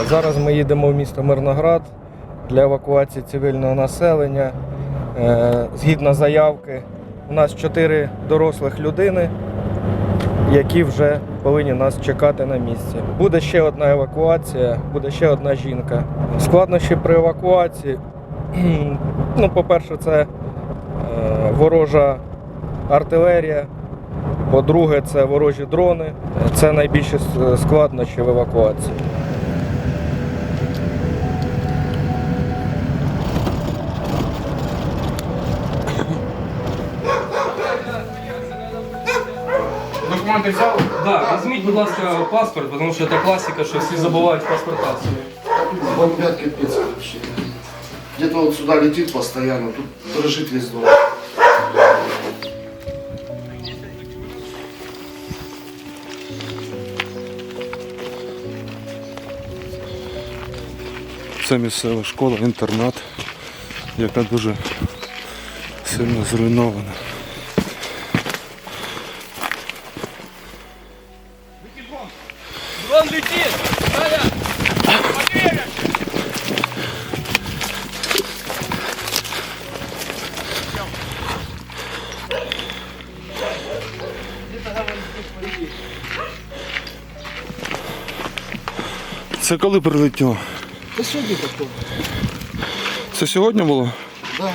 Зараз ми їдемо в місто Мирноград для евакуації цивільного населення. Згідно заявки, у нас 4 дорослих людини, які вже повинні нас чекати на місці. Буде ще одна евакуація, буде ще одна жінка. Складнощі при евакуації, по-перше, це ворожа артилерія, по-друге, це ворожі дрони. Це найбільші складнощі в евакуації. Документи взяли? Да, візьміть, будь ласка, паспорт, тому що це класика, що всі забувають паспорта свої. Бомбят капец вообще. Где-то вот сюда летит постоянно, тут дрожит весь дом. Це місцева школа, інтернат, яка дуже сильно зруйнована. Дрон летит! Це коли прилетіло? Да сегодня такое. Це сьогодні було? Да.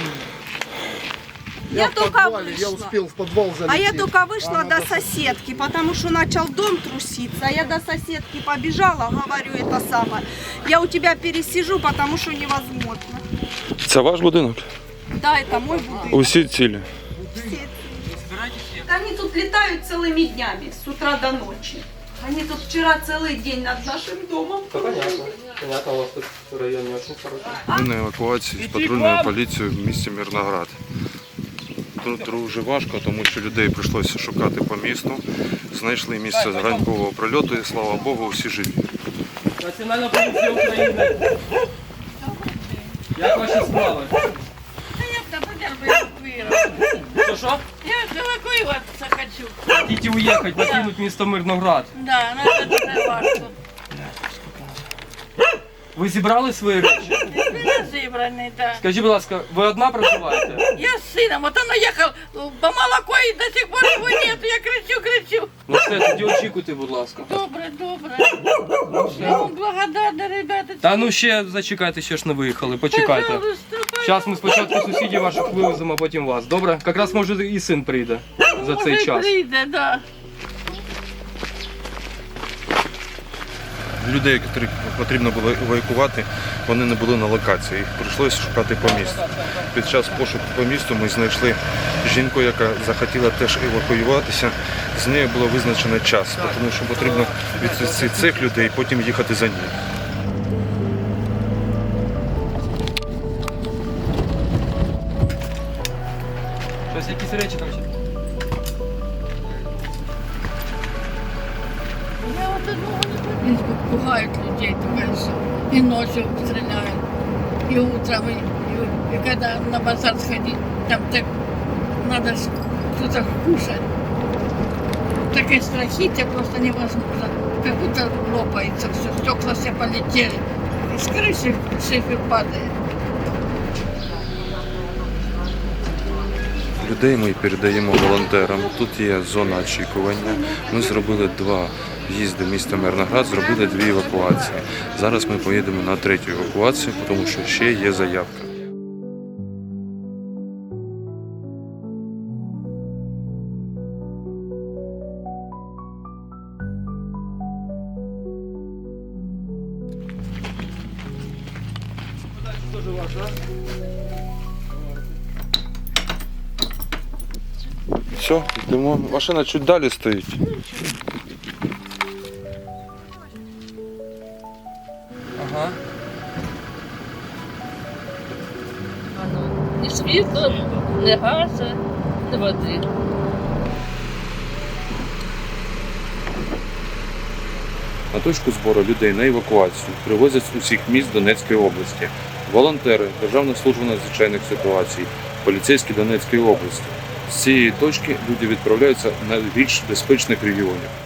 Я в только подвале, вышла. я успел в подвал залететь. А я только вышла Она до соседки, потому что начал дом труситься. Я до соседки побежала, говорю это самое. Я у тебя пересижу, потому что невозможно. Це ваш будинок? Да, это мой будинок. Усі цілі. Все. Они тут летают целыми днями, с утра до ночи. Они тут вчера целый день над нашим домом. Понятно. Понятно, у вас тут район не очень хороший. Ми на евакуації з патрульною поліцією в місті Мирноград. Тут дуже важко, тому що людей прийшлося шукати по місту. Знайшли місце ранкового прильоту і, слава Богу, всі живі. Національна поліція України. Як ваші справи? Що? Я эвакуироваться хочу. Хотите уехать, покинуть місто Мирноград. Да, но это дуже важко. Ви зібрали свої речі? Меня зібраний, да. Скажіть, будь ласка, ви одна проживаєте? Я с сыном, вот он уехал по молоко и до сих пор его нет. Я кричу. Ну все, тоді очікуйте, будь ласка. Добре. Я вам благодарна, ребята. Та ну ще зачекайте, ще ж не виїхали, почекайте. Пожалуйста, Зараз ми спочатку сусідів ваших вивеземо, а потім вас. Добре? Якраз може і син прийде за цей може, час. прийде, да. Людей, яких потрібно було евакуювати, вони не були на локації. Їх прийшлося шукати по місту. Під час пошуку по місту ми знайшли жінку, яка захотіла теж евакуюватися. З нею було визначено час, тому що потрібно відвести цих людей і потім їхати за ними. Щось якісь речі там ще. Я вот одного не помню. Пугают людей, думаешь, и ночью стреляют, и утром, и когда на базар сходить, там так надо что-то кушать. Такое страхите просто невозможно. Как будто лопается все, стекла все полетели. И с крыши шифы падает. Людей ми передаємо волонтерам. Тут є зона очікування. Ми зробили 2 в'їзди в місто Мирноград, зробили 2 евакуації. Зараз ми поїдемо на 3-ю евакуацію, тому що ще є заявка. Все, йдемо. Машина чуть далі стоїть. Ага. Ні світла, ні газу, ні води. На точку збору людей на евакуацію привозять з усіх міст Донецької області. Волонтери, Державна служба надзвичайних ситуацій, поліцейські Донецької області. З цієї точки люди відправляються на більш безпечних регіонів.